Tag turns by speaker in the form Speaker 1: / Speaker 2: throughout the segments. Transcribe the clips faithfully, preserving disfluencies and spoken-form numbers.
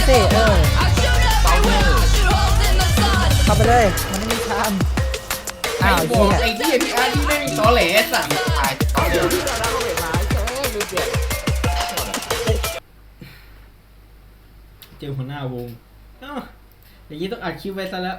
Speaker 1: สิเออ
Speaker 2: เปาเนอร์
Speaker 1: เข้าไปเลยมันไม่มีทาง
Speaker 3: ไอ้
Speaker 1: อ้าว
Speaker 3: บ
Speaker 1: เหี้
Speaker 3: อก
Speaker 1: ย
Speaker 3: ไอ้ที่พี่อาร์ที่ไม่มีตอแหลสัตว์
Speaker 2: ตายเปาเนอร์
Speaker 3: เจอหัวหน้าวงอ้าวอย่างนี้ต้องอัดคลิปไว้ซะแล้ว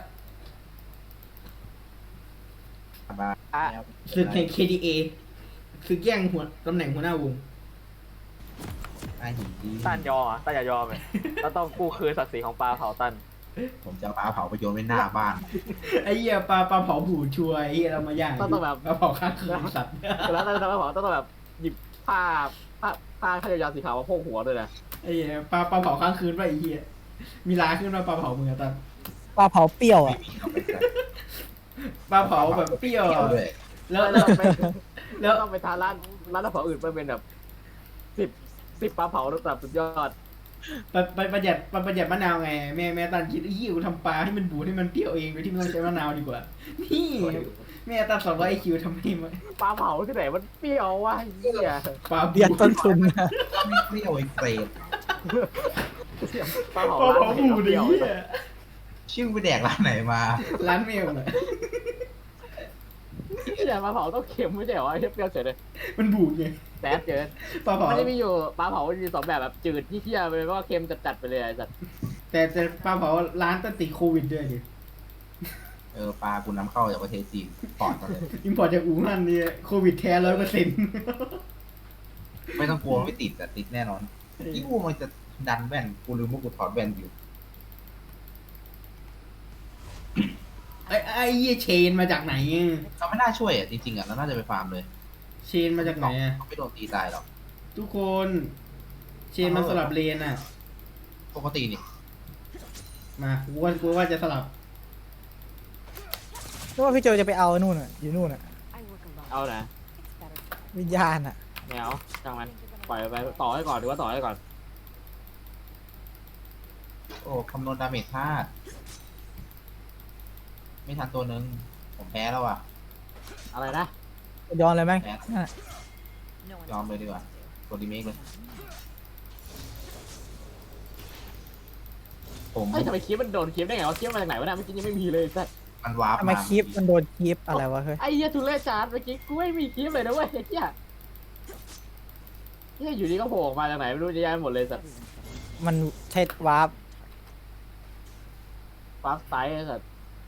Speaker 2: มา
Speaker 3: ศึกแห่ง เค ดี เอ ศึกแย่งหัวตำแหน่งหัวหน้าวง
Speaker 2: ไอ้หินดี
Speaker 4: ตันยอมอ่ะตันอย่ายอมเลยเราต้องกู้คืนศักดิ์ศรีของปลาเผาตัน
Speaker 2: ผมจะเอาปลาเผาไปโยนไว้หน้าบ้าน
Speaker 3: ไอ้เหี้ยปลาปลาเผาบูดชัวร์ไอ้เหี้ยเรามาย่าง
Speaker 4: ต้องต้องแบบ
Speaker 3: ปลาเผาข้างคืนสัตว์
Speaker 4: แล้วตันจะไม่เผาต้องแบบหยิบผ้าผ้าผ้าขยาวๆสีขาวมาโพกหัวด้วยนะ
Speaker 3: ไอ้เหี้ยปลาปลาเผาข้างคืนป่ะไอ้เหี้ยมีลาขึ้นมาปลาเผามึงอะตัน
Speaker 1: ปลาเผาเปรี้ยว
Speaker 2: ไม่
Speaker 1: อ่ะ
Speaker 2: มีเอาไปใส่
Speaker 3: ปลาเผาแบบเปรี้ยว
Speaker 2: เปรี้ยว
Speaker 3: อะ
Speaker 2: ด้วย
Speaker 3: แล้ว
Speaker 4: แล้
Speaker 3: แล้ว ว
Speaker 4: ไป
Speaker 3: แล้ว
Speaker 4: ต้องไปทานร้านร้านเผาอื่นไปเป็นแบบสิบสิบปลาเผาระดับสุดยอด
Speaker 3: ไปไปประหยัดไปประหยัดมะนาวไงแม่แม่ตันคิดไอ้เหี้ยกูทำปลาให้มันบูดให้มันเปรี้ยวเองโดยที่ไม่ต้องใช้มะนาวดีกว่านี่แม่ตันสอนว่าไอคิวทำไมไม่
Speaker 4: ปลาเผาที่ไหนมันเปรี้ยววะเหี้ย
Speaker 3: ปลา
Speaker 1: เบียดต้นทุนนะ
Speaker 2: ไม่เปรี้ยวไอ้เปรต
Speaker 4: ปลาเผา
Speaker 3: ปลา
Speaker 4: ร้าน
Speaker 3: เผา
Speaker 4: ไหน
Speaker 3: บู
Speaker 4: ก็
Speaker 3: ด
Speaker 4: เป
Speaker 3: ไอ้
Speaker 4: รี้ยว
Speaker 3: เหี้ย
Speaker 2: ชื่อไปแดกร้านไหนมา
Speaker 3: ร้านเมลอะ
Speaker 4: ที่ไหนปลาเผาต้องเค็มไม่ใช่เหรอไอ้เปรี้ยวเฉยเลย
Speaker 3: มันบูดไง
Speaker 4: แซ่บเกิน
Speaker 3: ปลาเผา
Speaker 4: มันจะมีอยู่ปลาเผามันมีสองแบบแบบจืดที่เที่ยไปเลยก็เค็มจัดๆไปเลยไอ้สัตว์
Speaker 3: แต่แต่ปลาเผาร้านตันติดโควิดด้วยดิ
Speaker 2: เออปลากูนำเข้าจากประเทศจีนปอดมาเลย
Speaker 3: อิมพอร์ตจากอู่ฮั่นนี่โควิดแท้ร้อยเปอร์เซ็นต์
Speaker 2: ไม่ต้องกลัวไม่ติดแต่ติดแน่นอนที่กูมันจะดันแว่นกูลืมว่ากูถอดแว่นอยู่
Speaker 3: ไอ้ไอ้เหี้ยเชนมาจากไหนอะ
Speaker 2: เขาไม่น่าช่วยอ่ะจริงๆอ่ะเราน่าจะไปฟาร์มเลย
Speaker 3: เชนมาจากไหนอะ
Speaker 2: เขาไม่โดนตีตายหรอก
Speaker 3: ทุกคน เชนมาสลับเลนอะ
Speaker 2: ปกตินี่
Speaker 3: มากูว่ากูว่าจะสลับ
Speaker 1: นึกว่าพี่โจจะไปเอานู่นอ่ะอยู่นู่นอ่ะ
Speaker 4: เอานะ
Speaker 1: วิญญาณอ่ะ
Speaker 4: แมวช่างมันปล่อยไปต่อให้ก่อนหรือว่าต่อให้ก่อน
Speaker 2: โอ้คำนวณดาเมจพลาดไม่ทันตัวนึงผมแพ้แล้วอ่ะ
Speaker 4: อะไรนะ
Speaker 1: ย้อนเลยไหม
Speaker 2: แพ้
Speaker 1: นั่นน่ะ
Speaker 2: ยอมเลยดีกว่าตัวดีเมกเลยผม
Speaker 4: เฮ้ยทำไมคลิปมันโดนคลิปได้ไงวะคลิปมาจากไหนวะเนี่ยเมื่อกี้ยังไม่มีเลยสัตว์
Speaker 2: มันวาร์ป
Speaker 1: ทำไม
Speaker 2: มา
Speaker 1: คลิปมันโดนคลิปอะไรวะเฮ้ย
Speaker 4: ไอ้เหี้ยทุเรศจานเมื่อกี้กูไม่มีคลิปเลยนะเว้ยไอ้เหี้ยเหี้ยอยู่ดีก็โผล่ออกมาจากไหนไม่รู้เยอะแยะหมดเลยสัตว์
Speaker 1: มันใช้วาร์ป
Speaker 4: ฟาสไตล์ไอ้สัตว์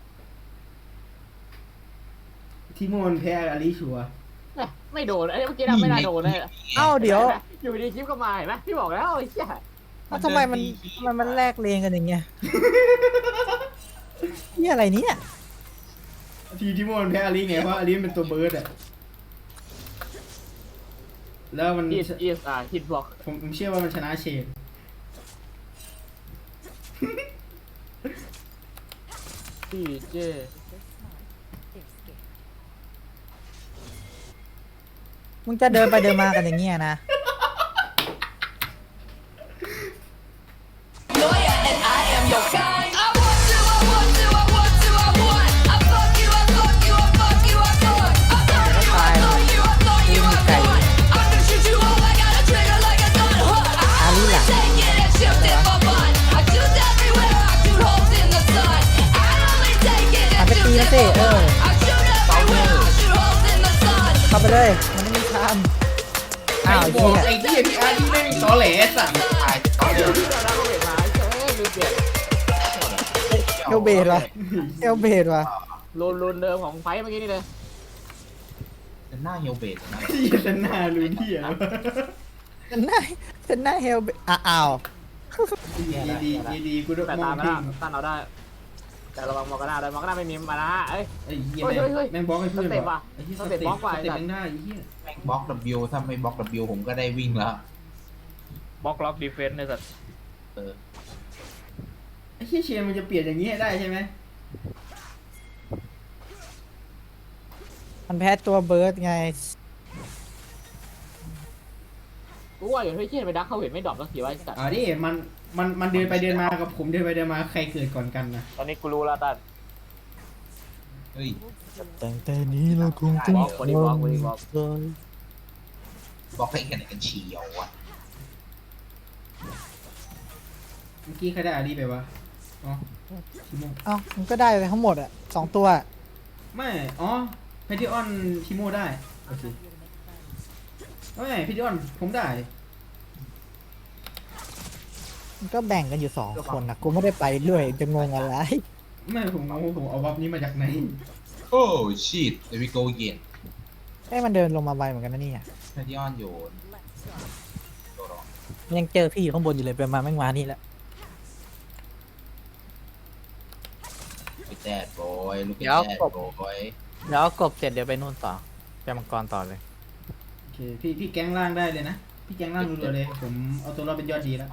Speaker 3: ทิโมนแพ้อลิชัวร์
Speaker 4: แม่ไม่โดนไอ้เมื่อกี้น่ะไม่น่าโดนเลย
Speaker 1: เอ้าเดี๋ยว
Speaker 4: อยู่ดีคลิปก็มาเห็นไหมพี่บอกแล้วไอ้เหี้ย
Speaker 1: เอ้าทำไมมันมันมันแลกเลนกันอย่างเงี้ยนี่อะไรเนี่ย
Speaker 3: ทีทิโมนแพ้อลิไงเพราะอลิเป็นตัวเบิร์ดอะแล้วมัน
Speaker 4: อีสอีสอ่าฮิตบล็อก
Speaker 3: ผมผมเชื่อว่ามันชนะเชน
Speaker 4: ดีเจ
Speaker 1: มึงจะเดินไปเดินมากันอย่างเงี้ยนะ ตายแล้วนี่มีไก่อาลีล่ะหันไปตีนะสิเออ
Speaker 2: เปาเนอร์
Speaker 1: เข้าไปเลยมันไม่มีทาง
Speaker 3: ไอ้
Speaker 1: อ้าว
Speaker 3: บ
Speaker 1: เหี้
Speaker 3: อก
Speaker 1: ย
Speaker 3: ไอ้ที่พี่อาร์ที่ไม่มีตอแหลสัตว์
Speaker 2: ตายเปาเนอร์
Speaker 4: ที่เราได้เห็นมาเอ้ยลืมเปลี่ยน
Speaker 1: เอลเบดว่ะเอลเบดว่ะ
Speaker 4: รูนรูนเดิมของไฟเมื่อกี้นี่เลย
Speaker 2: เป็นหน้าเฮลเบดนะ
Speaker 3: ที่จะหน้ารู้ที่อะ
Speaker 1: เป็นหน้าเป็นหน้าเฮลเบดอ้าว
Speaker 3: ดีดีดีดีกูต้อง
Speaker 4: แต่
Speaker 3: มอ
Speaker 4: ตาง ม
Speaker 3: ทิ้
Speaker 4: นะ
Speaker 3: ง
Speaker 4: ตันเราได้ แต่ระวังมองกันหน้าด้วยมองกันหน้าไม่มีมานะเอ้ย
Speaker 3: ไอ้เหี้ย
Speaker 4: เฮ้ยเฮ้ยเฮ้ย
Speaker 3: แม่งบล็อกให้เพื่อน
Speaker 4: สเต็ปว่ะ
Speaker 3: ไอ้เหี้ย
Speaker 4: สเต็ปบล็อกว่ะ
Speaker 3: สเต็ป
Speaker 4: ไอ้สัตว์
Speaker 3: แม่งได้ไอ้เหี้ย
Speaker 2: แม่งบล็อก W ถ้าไม่บล็อก W ผมก็ได้วิ่งแล้ว
Speaker 4: บล็อกล็อกดีเฟนส์ในสัตว์
Speaker 2: เออ
Speaker 3: ไอ้เหี้ยเชนมันจะเปลี่ยนอย่างนี้ให้ได้ใช่ไหม
Speaker 1: มันแพ้ตัวเบิร์ดไง
Speaker 4: กูว่าอยู่ที่เชี่ยไปดักเขาเห็นไม่ดรอปสักทีว่าไอ้สัตว์
Speaker 3: อ่าดิมันมันมันเดินไปเดินมากับผมเดินไปเดินมาใครเกิดก่อนกันนะ
Speaker 4: ตอนนี้กูรู้แล้วตัน
Speaker 2: เฮ้ย
Speaker 1: ตั้งแต่นี้เราคงต้อง
Speaker 4: บล็อกบอดี้บล็อกบอดี้บล็อก
Speaker 2: บล็อกให้กันไหนกันเชียวอ่ะ
Speaker 3: เมื่อกี้ใครได้อารีไปวะอ๋อทีโม
Speaker 1: เอ้ามันก็ได้เลยทั้งหมดอ่ะสองตัว
Speaker 3: ไม่อ๋อเพทิออนทีโมได้โอเคไม่เพทิออนผมได้
Speaker 1: มันก็แบ่งกันอยู่สองคนนะกูไม่ได้ไปด้วยจะงงอะไร
Speaker 3: ไม่ผมเอาผมเอาบัฟนี้มาจากไหน
Speaker 2: โอ้ชีตเดวิโกเย็น
Speaker 1: ไอ้ยมันเดินลงมาไวเหมือนกันนะเนี่ย
Speaker 2: แพทยอนโยนตัวรอง
Speaker 1: มันยังเจอพี่อยู่ข้างบนอยู่เลยไปมาแม่งมานี่แหละ
Speaker 2: ลูกแดดบอยลูกแด
Speaker 5: เดี๋ยว
Speaker 2: ด
Speaker 5: กบ
Speaker 2: บอย
Speaker 5: เดี๋ยวเอากบเสร็จเดี๋ยวไปนู่นต่อไปมังกรต่อเลย
Speaker 3: โอเคพี่พี่แก๊งล่างได้เลยนะพี่แก๊งล่างรัวๆเลยผมเอาตัวรอดเป็นยอดดีแล้ว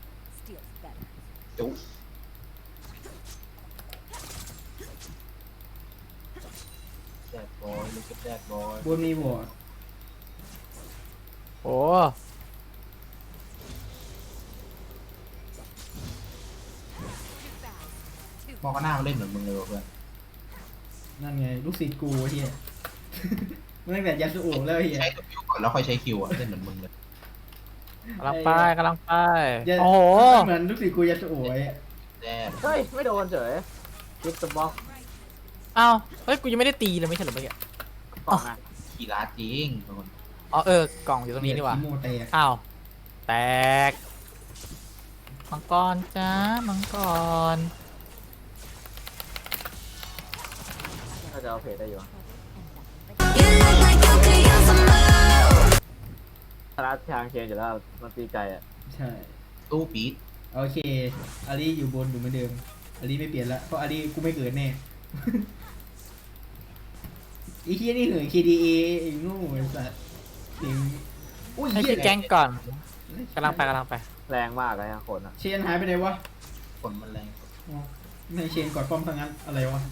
Speaker 2: จุ๊แดดบอยลูกแดดบอย
Speaker 3: บนมีบอร์ด
Speaker 5: โอ้
Speaker 2: มองก็หน้ามาเล่นเหมือนมึงเลยว่ะเพื่อน
Speaker 3: นั่นไงลูกศิษย์กูเฮีย มันตั้งแต่ยาสูโอะแล้วเฮีย
Speaker 2: ใช้ตัวคิวก่อนแล้วค่อยใช้คิวอ่ะเล่นเหมือนมึงเลย
Speaker 5: กำลังไปกำลังไป
Speaker 3: ยา
Speaker 5: โอ้โห
Speaker 3: มันเหมือนลูกศิษย์กูยาสูโอะไอ้
Speaker 2: แดด
Speaker 4: เฮ้ย ไม่โดนเฉยกิฟต์บล็อก
Speaker 5: เอ้าเฮ้ยกูยังไม่ได้ตีเลยไม่ใช่เหรอเมื่อกี้
Speaker 4: กล่องอ่ะ
Speaker 2: ขี่ร้านจริงทุกคน
Speaker 5: อ๋อเออกล่องอยู่ตรงนี้นี่หว่า
Speaker 3: ทีโมแตก
Speaker 5: อ้าวแตกมังกรจ้ามังกร
Speaker 4: น่าจะเอาเพจได้อยู่
Speaker 6: You look like you could use some love.
Speaker 4: ธนาทางเคนอยู่แล้วมันตีไก่อ่ะ
Speaker 3: ใช่
Speaker 2: ตู้ปี๊ด
Speaker 3: โอเคอารีอยู่บนอยู่เหมือนเดิมอารีไม่เปลี่ยนละเพราะอารีกูไม่เกิดแน่ ไอ้เฮียนี่เหนื่อย เค ดี เอ ไอ้โง่ไอ้สัสเสียงอุ้ย
Speaker 5: ให้
Speaker 3: เฮีย
Speaker 5: พี่แก๊งก่อนกำลังไปกำลังไป
Speaker 4: แรงมากเลยฮะคนอ่ะ
Speaker 3: เชนหายไปไหนวะ
Speaker 2: ฝนมันแรง
Speaker 3: อ๋อไม่เชนกอดป้อมทางนั้นอะไรวะ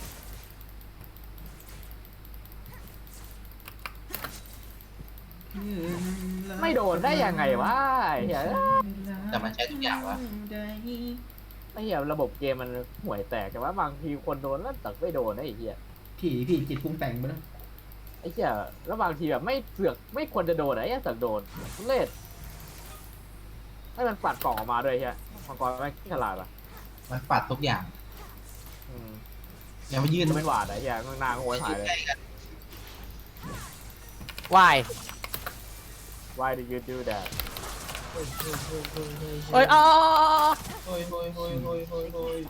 Speaker 4: ไม่โดนได้ยังไงวะไอ้เหี้ย
Speaker 2: แต่มันใช้ทุกอย่างวะ
Speaker 4: ไอ้เหี้ยระบบเกมมันห่วยแตกแต่ว่าบางทีคนโดนแล้วแต่ไม่โดนนะไอ้เหี้ย
Speaker 3: พี่พี่จิตปรุงแต่งไปแล้ว
Speaker 4: ไอ้เหี้ยแล้วบางทีแบบไม่เสือกไม่ควรจะโดนอะไอ้เหี้ยเสือกโดนทุเล่ให้มันปัดกล่องออกมาด้วยไอ้เหี้ยมังกรไม่ฉลาดอ่ะ
Speaker 2: มันปัดทุกอย่าง
Speaker 4: อืม
Speaker 2: อย่ามายืน
Speaker 4: มันเป็นหวาดอะไอ้เหี้ยนางโวยหายเลย
Speaker 2: ใกล้กัน
Speaker 5: วาย
Speaker 4: Why did you do that
Speaker 5: เอ้ยอ๋อ
Speaker 2: โอ้ยโอ้ยโอ้ยโอ้ยโอ้ยโอ้ย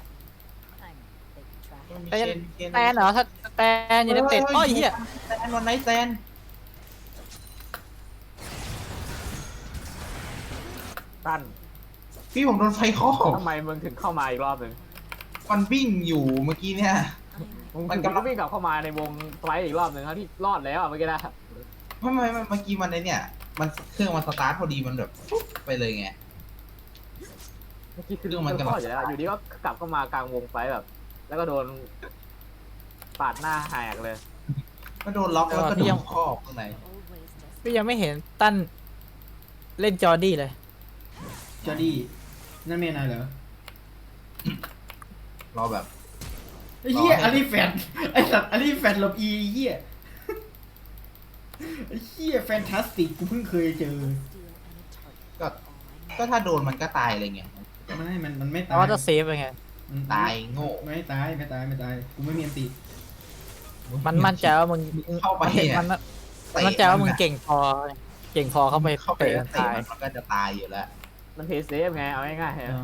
Speaker 5: แตนแตนเหรอถ้าแตนอยู่ในเต็ดโอ้ยเหี้ย
Speaker 2: แตนวันไหนแตน
Speaker 4: ตั้น
Speaker 2: พี่ผมโดนไฟคอก
Speaker 4: ทำไมมึงถึงเข้ามาอีกรอบหนึ่ง
Speaker 2: มันวิ่งอยู่เมื่อกี้เนี่ย
Speaker 4: มึง
Speaker 2: มัน
Speaker 4: ถึง
Speaker 2: กำลั
Speaker 4: ก็
Speaker 2: ง
Speaker 4: วิ่งกลับเข้ามาในวงไฟท์อีกรอบหนึ่งครับที่รอดแล้วอะเมื่อกี้นะ
Speaker 2: ไม่ไม่ไม่เมื่อกี้มันไอเนี่ย มันเครื่องมันสตาร์ทพอดีมันแบบปุ๊บไปเลยไง
Speaker 4: เมื่อกี้คือ
Speaker 2: เรื่องมันกำลัง
Speaker 4: รอดอยู่แล้วอยู่ดีก็กลับเข้ามากลางวงไฟท์แบบ แล้วก็โดนปาดหน้าแหกเลย
Speaker 2: ก็โดนล็อกแล้วก็โดนครอบข้างใน
Speaker 5: พี่ยังไม่เห็นตั้นเล่นจอร์ดี้เลย
Speaker 3: จอดี้นั่นเมียนายเหรอ
Speaker 2: รอแบบ
Speaker 3: ไอ้เหี้ย
Speaker 2: รอให้
Speaker 3: อารีแฟนไอ้สัตว์อารีแฟนหลบอีไอ้เหี้ยไอ้เหี้ยแฟนตาสติกกูเพิ่งเคยเจอ
Speaker 2: ก็ก็ถ้าโดนมันก็ตายเลยไง
Speaker 3: ไม่มันมันไม่
Speaker 5: แต่
Speaker 3: ตาย
Speaker 5: ว่าจะเซฟยังไง
Speaker 3: มัน
Speaker 2: ตายโง่
Speaker 3: ไม่ตายไม่ตายไม่ตายกูไม่มีอันติ
Speaker 5: มันมั่นใจว่ามึง
Speaker 2: เข้าไป
Speaker 5: มัน
Speaker 2: เนี่ย
Speaker 5: มันมั่นใจว่ามึงเก่งพอ เก่งพอเข้าไป
Speaker 2: เข้าไป
Speaker 5: เตะ
Speaker 2: แล้ว
Speaker 5: มัน
Speaker 2: เตะ
Speaker 5: ตาย
Speaker 2: มันก็จะตายอยู่แล้ว
Speaker 4: มันเพย์เซฟไงเอาง่ายๆ
Speaker 3: เอ
Speaker 4: ฮะ
Speaker 3: อ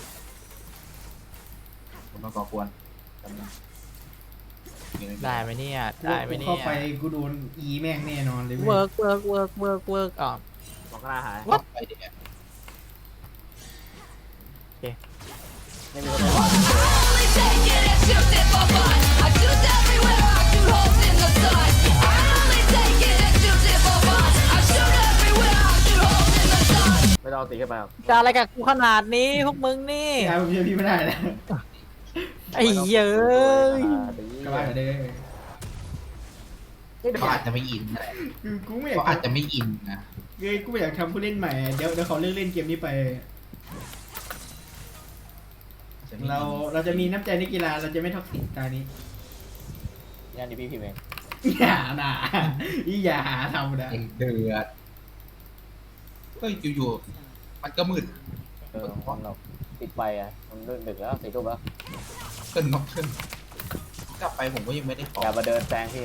Speaker 2: ผมต้องก่อกวนจำนะ
Speaker 5: ได้ไหมเนี่ย
Speaker 3: กู
Speaker 5: ได้ไหม
Speaker 3: กู
Speaker 5: เนี่
Speaker 3: เข้าย ไปกูโดนอีแม่งแน่นอนเลยเว้
Speaker 5: เวิ
Speaker 3: ย
Speaker 5: ร์กเวิร์กเวิร์กเวิร์กเวิร์กอ๋อ
Speaker 4: บอกหน้าหาย
Speaker 2: วัดไปเดี๋ยว
Speaker 4: ไม่มีรถไม่หวาน
Speaker 6: Only take it and shoot it for fun. I shoot everywhere, I shoot holes in the sun. I only take it and shoot it for fun. I shoot everywhere, I shoot holes in the sun.
Speaker 4: ไม่ต้องเอาตีขึ้นไปหรอก
Speaker 5: จะอะไรกับกูขนาดนี้พวกมึงนี่
Speaker 3: พี่ชายผมเชื่อพี่ไม่ได้แล้ว
Speaker 5: ไอ้เหี้ยเอ้ย
Speaker 3: กลับบ้านเด้อ
Speaker 4: นี่เดี๋ยว
Speaker 2: เขาอาจจะไม่อินอะไร
Speaker 3: คือกูไม่อยาก
Speaker 2: เขาอาจ
Speaker 3: ทำ
Speaker 2: จะไม่อินนะ
Speaker 3: เฮ้ยกูไม่อยากทำผู้เล่นใหม่เดี๋ยวเดี๋ยวเขาเลิกเล่นเกมนี้ไป
Speaker 2: จะไม่อิน
Speaker 3: เราเราจะมีน้ำใจในกีฬาเราจะไม่ท็อกซิกตานี้
Speaker 4: นี่อันนี้พี่พิมพ์เอง
Speaker 3: อย่านะอย่าหาทำนะ
Speaker 2: เองเดือดเฮ้ยอยู่ๆมันก็มืด
Speaker 4: เออของเราปิดไฟอ่ะมันดึกแล้วสี่ทุ่มแล้ว
Speaker 2: ขึ้นมาขึ้นกลับไปผมก็ยังไม่ได้ขอ
Speaker 4: อย่ามาเดินแซงพี่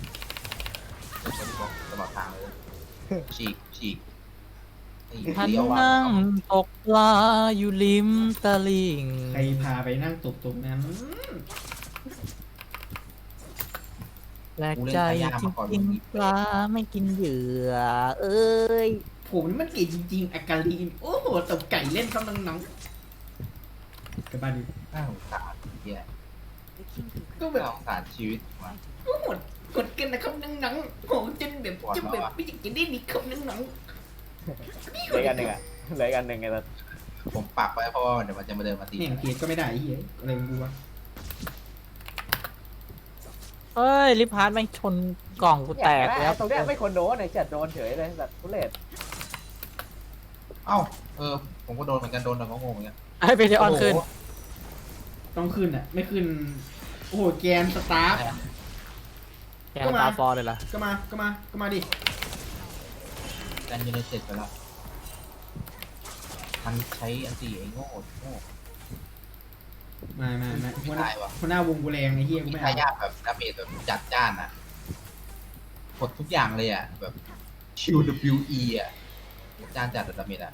Speaker 2: ตลอดทางเลยฉีกฉีกไอ้
Speaker 5: ฉัน
Speaker 2: เลี้ยวว่ะ
Speaker 5: นั่งตกปลาอยู่ริมตลิ่ง
Speaker 3: ใครพาไปนั่งตกตรงนั้น
Speaker 5: แปลกใจจริงๆปลาไม่กินเหยื่อ เอ้ย
Speaker 3: ผมนี่มันเก่งจริงๆอากาลีนโอ้โหตบไก่เล่นเขาน้องๆกลับบ้านดิ
Speaker 2: น่าสงสารเฮีย
Speaker 3: ก็แบ
Speaker 2: น่า
Speaker 3: บ
Speaker 2: สงสารชีวิตว่ะ
Speaker 3: โอ้โหกดกันนะครับน้องๆโหจนแบบจะแบบไม่อยากจะได้นี่ครับน้อง
Speaker 4: เหลือกันหนึ่งอ่ะเหลือกันหนึ่งไงแต่
Speaker 2: ผมปักไว้เพราะว่าเดี๋ยวมันจะมาเดินมาตี
Speaker 3: ๆเนี่ยเกตก็ไม่ได้ไอ้เหี้ยอะไรของกูวะ
Speaker 5: เฮ้ย ลิพาร์ตแม่งชนกล่องกูแตก
Speaker 4: แล้
Speaker 5: แล้ว ว
Speaker 4: ตรงเนี้ยไม่คนโดนไอ้จัดโดนเฉยเลยแบบทุเรศ
Speaker 2: เอ้าเออผมก็โดนเหมือนกันโดนแต่ก็งงเหมือนกัน
Speaker 5: ไอ้เบเดออนขึ้น
Speaker 3: ต้องขึ้นอ่ะไม่ขึ้นโอ้โหแกนสตาร์ฟ
Speaker 5: แกนตาฟอร์เลยล่ะ
Speaker 3: ก็มาก็มาก็มาดิ
Speaker 2: แกนยูไนเต็ดไปแล้วมันใช้อันตีไอ้โง่โง่
Speaker 3: มามามา
Speaker 2: ไม่
Speaker 3: หัวห
Speaker 2: ได้
Speaker 3: น้าว
Speaker 2: ะ
Speaker 3: หัวหน้าวงกูแรงไอ้เหี้ยกู
Speaker 2: มี
Speaker 3: ไม่
Speaker 2: ทา
Speaker 3: เอา
Speaker 2: ยาทแบบดาเมจแบบจัดจ้านอ่ะกดทุกอย่างเลยอ่ะแบบ คิว ดับเบิลยู อี อ่ะจานจัดดาเมจอ่ะ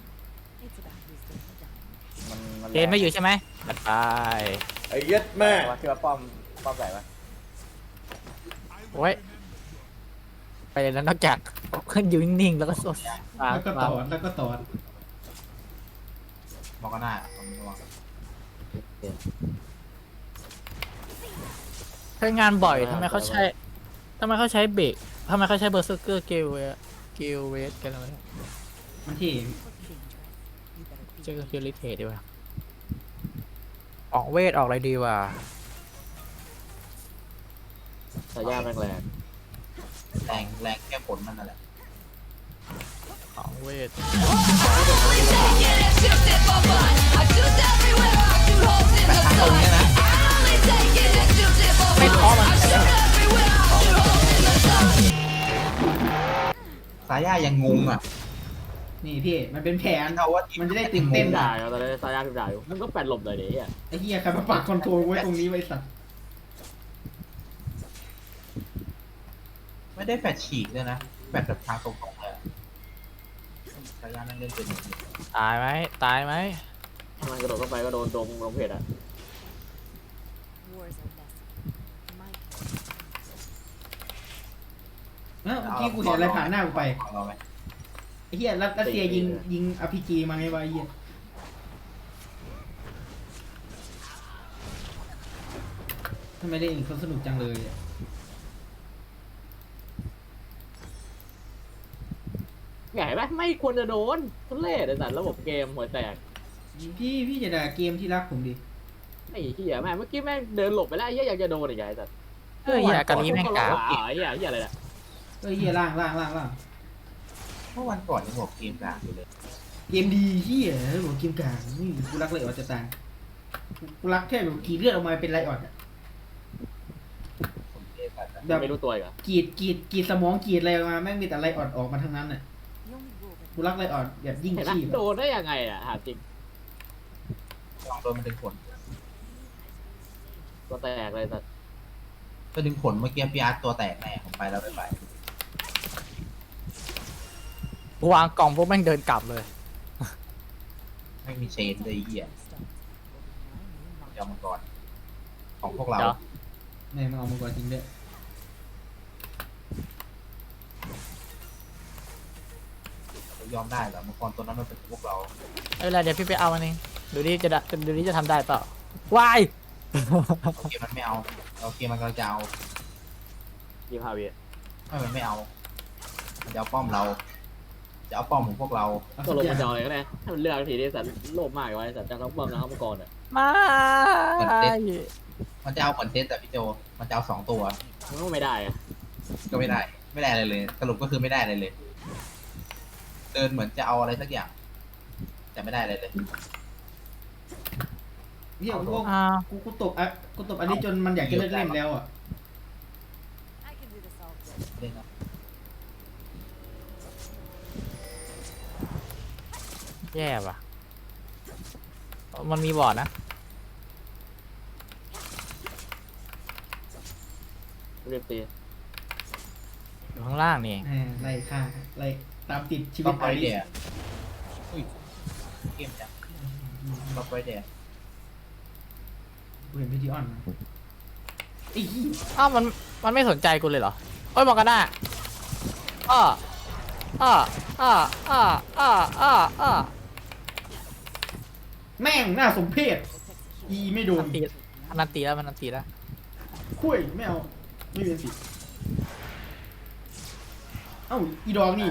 Speaker 4: มันมัน
Speaker 5: เกนไม่อยู่ใช่ไหมตัดไป
Speaker 7: ไอ้เย็ดแม่
Speaker 4: ว่าคิดว่าป้อมป้อมไหนวะ
Speaker 5: โอ้ย ไปเลยแล้วนอกจากขึ้นอยู่นิ่งๆ แล้วก็สด
Speaker 3: แล้วก็ตอดแล้วก็ตอด
Speaker 2: มองก็หน้าตรงนี้มอง
Speaker 5: ใช้งานบ่อยทำไมเขาใช้ทำไมเขาใช้เบรกทำไมเขาใช้เบอร์เซอร์เกอร์เกลเวเกลเวสกันอะไร
Speaker 3: มันที่
Speaker 5: เจอเกลลิเทดีกว่าออกเวทออกอะไรดีวะ
Speaker 4: สายยาแรงแรง
Speaker 2: แรงแรงแค่ผลมันนั่นแหละ
Speaker 5: ออกเวท
Speaker 6: Only take it and shoot it for fun. I shoot everywhere, I shoot holes in the
Speaker 2: ตรง
Speaker 6: sun.
Speaker 2: เนี้ยนะ
Speaker 6: Only take it and shoot it for fun. I shoot everywhere, I shoot holes in the sun.
Speaker 2: สายายังงงอ่ะ
Speaker 3: นี่พี่มันเป็นแผน
Speaker 2: เอาว่า
Speaker 3: มันจะได้ตื่นเต้น
Speaker 4: ด่า
Speaker 3: อ่ะ
Speaker 4: อยู่ตอนนี้สายยาพิมพ์ด่าอยู่มึงก็แปดหลบเลยดิอ่ะ
Speaker 3: ไอ้เหี้ยใครมาปักคอนโทรลไว้ตรงนี้ไว้สัตว์
Speaker 2: ไม่ได้แฟดฉีกเลยนะแฟดแบบทางตรงๆเลยอะสายานั่งเล่นเป็นอย่างนี้
Speaker 5: ตายไหมตายไหม
Speaker 4: มันกระโดดเข้าไปก็โดนโดมลงเพจอ่ะ
Speaker 3: เอ้าเมื่อกี้กูเห็นอะไรผ่านหน้ากูไป
Speaker 2: เอาเราไหม
Speaker 3: ไอ้เหี้ยรัสรัสเซียยิงยิงอพีจีมาไงวะไอ้เหี้ยทำไมเล่นเขาสนุกจังเลยอะ
Speaker 4: ใหญ่ไหมไม่ควรจะโดนทุเรศไอ้สัตว์ระบบเกมหัวแตก
Speaker 3: พี่พี่จะด่าเกมที่รักผมดิ
Speaker 4: ไอ้เหี้ยแม่งเมื่อกี้แม่งเดินหลบไปแล้วไอ้เหี้ยอยากจะโดนอีกไงไอ้สัตว์
Speaker 5: เฮ้ยอย่ากันนี้แม่งกา
Speaker 4: ไอ้เหี้ยเหี้ยอะไรเนี่ย
Speaker 3: เอ้ยเหี้ยล่างล่างล่างล่าง
Speaker 2: เมื่อวันก่อนยังบอกเกมกลางอยู่เลย
Speaker 3: เกมดีเหี้ยหัวเกมกลางนี่กูรักเลยออดจะตายกูรักแค่แบบกรีดเลือดออกมาเป็นไรออดอะ
Speaker 2: ผมเกมแบบนั้น
Speaker 3: แบบ
Speaker 4: ไม่รู้ตัวอีกเหรอก
Speaker 3: รีดกรีดกรีดสมองกรีดอะไรออกมาแม่งมีแต่ไรออดออกมาทั้งนั้นน่ะกูรักไรออดแบบยิ่ง
Speaker 4: เห็นไหม
Speaker 3: ชีพ
Speaker 4: โด
Speaker 3: อะ
Speaker 4: นได้ยังไงอ่ะหาจริง
Speaker 2: ลองโดนมันดึงผล
Speaker 4: ตัวแตกเลยสัตว์
Speaker 2: ก็ดึงผลเมื่อกี้พี่อาร์ตตัวแตกแน่ผมไปแล้วไปไป
Speaker 5: วางกล่องพวกแม่งเดินกลับเลย
Speaker 2: ไม่มีเชนเลยไอ้เหี้ยยอมมังกรของพวกเรา
Speaker 5: เดี๋ยว
Speaker 3: แม่งมันเอามังกรจริงด้วย
Speaker 2: ยอมได้เหรอมังกรตัวนั้นมันเป็นพวกเรา
Speaker 5: ไม่เป็นไรเดี๋ยวพี่ไปเอามันเองดูดิจะได้ดูดิจะทำได้เปล่าวาย
Speaker 2: โอเคมันไม่เอาโอเคมันก็จะเอา
Speaker 4: ยิมฮาเวีย
Speaker 2: ไม่มันไม่เอามันจะเอาป้อมเรา จะเอาป้อมของพวกเรา
Speaker 3: เอา
Speaker 4: ก็
Speaker 3: สัก
Speaker 4: ลง
Speaker 3: อย่า
Speaker 4: มาง จอเลยก็ได้ให้มันเลือกทีนี้สัตว์โลภมากไว้สัตว์จะทั้งป้อมทั้งมังกรอ่ะ
Speaker 5: ไม่
Speaker 2: มันจะเอาเหมือนเซตแต่พี่โจ มันจะเอาสองตัว
Speaker 4: มันก็ไม่ได้อะ
Speaker 2: ก็ไม่ได้ ไม่ได้อะไรเลย สรุปก็คือไม่ได้อะไรเลย เดินเหมือนจะเอาอะไรสักอย่าง แต่ไม่ได้อะไรเลย
Speaker 3: เหี้ยกู
Speaker 5: อ้าว
Speaker 3: กูกูตบอ่ะกูตบอันนี้จนมันอยากจะเลิกเล่นแล้วอ่ะ
Speaker 2: เล่นนะ
Speaker 5: แย่ว่ะมันมีบอร์ดนะ
Speaker 4: เรียบตี
Speaker 5: อยู่ข้างล่างนี่
Speaker 3: อ่าไล่ฆ่าไล่ตามติดชีวิ
Speaker 2: ต้
Speaker 3: ต
Speaker 2: องไปเดียอุ้ยเกมจังต้องไปเดีย
Speaker 3: กูเห็นพี่ดิออนนะไอ้ยี่
Speaker 5: อ้าวมันมันไม่สนใจกูเลยเหรอเอ้ยมองกันหน้าอ้ออ้ออ้ออ้ออ้ออ้ออ้อ
Speaker 3: แม่งน่าสมเพชอีไม่โด
Speaker 5: มัน นตีมันนันตีแล้วมันนันตีแล้ว
Speaker 3: คุยไม่เอาไม่เป็นสิเอ้าอีดองนี่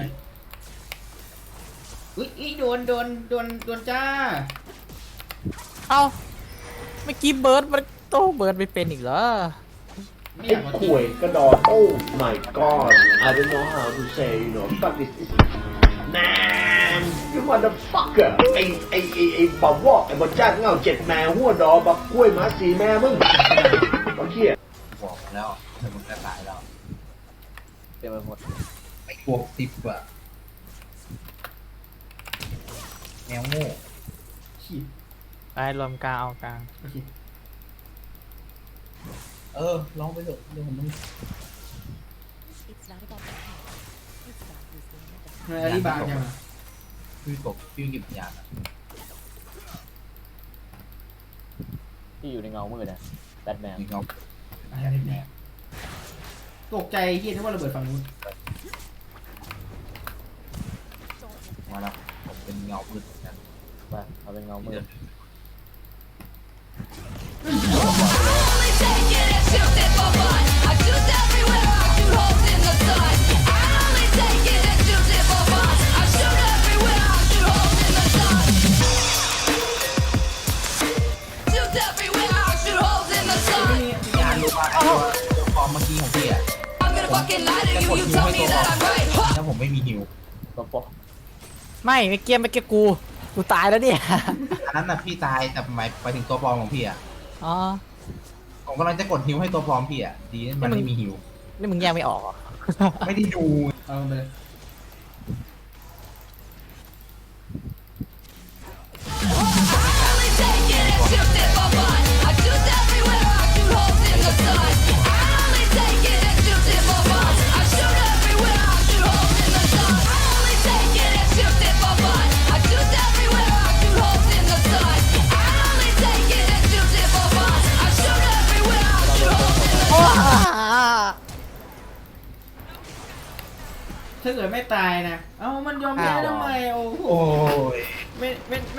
Speaker 3: อุ้ยอีโดนโดนโดนโดนจ้า
Speaker 5: เอ้าเมื่อกี้เบิร์ดมันโตเบิร์ดไม่เป็นอีกเหรอ
Speaker 3: ไม่อ
Speaker 7: ไอ้
Speaker 3: ยากมา
Speaker 7: ข่วยกระดอนโอ้ my god I don't know how to say you know fuck this is man you motherfucker ไอ้ไอ้ไอ้ไอ้บอวอกไอ้บอจ้างเงาเจ็ดแม่หัวดอบักกล้วยหมาสีแม่มึงบักเขี้ย
Speaker 2: บอกแล้วแต่มึงก็ตายแล้ว
Speaker 4: เต็มไปหมด
Speaker 2: ไม่บวกสิบอะแมวโง่
Speaker 3: ขีด
Speaker 5: ไปรวมกลางเอากลาง
Speaker 3: โอเค
Speaker 2: เออลองไปเถอะเรื่องของมึง
Speaker 3: ทำไมอาลีบางจังอะ
Speaker 2: พี่กบพี่กิบยานอะ
Speaker 4: ที่อยู่ในเงามืดนะแบทแมน
Speaker 2: มีเงา
Speaker 3: อะไรเนี่ยตกใจเฮียนึกว่าระเบิดฝั่งนู้น
Speaker 2: มาแล้วผมเป็นเงามืดเหมือนกัน
Speaker 4: มาเอาเป็นเงามืด
Speaker 6: Only take it and shoot it for fun. I shoot everywhere, I shoot holes in the sun. I only take it and shoot it for fun. I shoot everywhere, I shoot holes in the sun. Shoot everywhere, I shoot holes in the sun.
Speaker 2: ยานรู้ว่าไอ้ตัวตัวฟอร์มเมื่อกี้ของพี่อะ
Speaker 6: I'm gonna fucking lie to you, you tell me that I'm right. Huh.
Speaker 2: ถ้าผมไม่มีฮิว
Speaker 4: ตัวปอ
Speaker 5: ไม่ไม่เกี้ยไม่เกี้ยกูกูตายแล้วเนี่ย
Speaker 2: อันนั้นน่ะพี่ตายแต่หมายไปถึงตัวฟอร์มของพี่อะ
Speaker 5: อ๋อ
Speaker 2: ผมกำลังจะกดฮิวให้ตัวฟอร์มพี่อะดีนะมันไม่มีฮิว
Speaker 5: นี่มึงแยกไม่ออกเหรอ
Speaker 2: ไม่ได้ดู
Speaker 3: เอาไปเลย
Speaker 6: Only take it and shoot it for fun. I shoot everywhere, I shoot holes in the sun. I only take it and shoot it for fun. I shoot everywhere, I shoot holes in the sun. I only take it and shoot it for fun. I shoot everywhere, I shoot holes in the sun. I only take it and shoot it for fun. I shoot everywhere, I shoot holes in the sun.
Speaker 3: ถ้าเกิดไม่ตายนะ เอ้ามันยอมแพ้ทำไมโอ้โห
Speaker 2: โอ้ย
Speaker 3: ไม่ไม่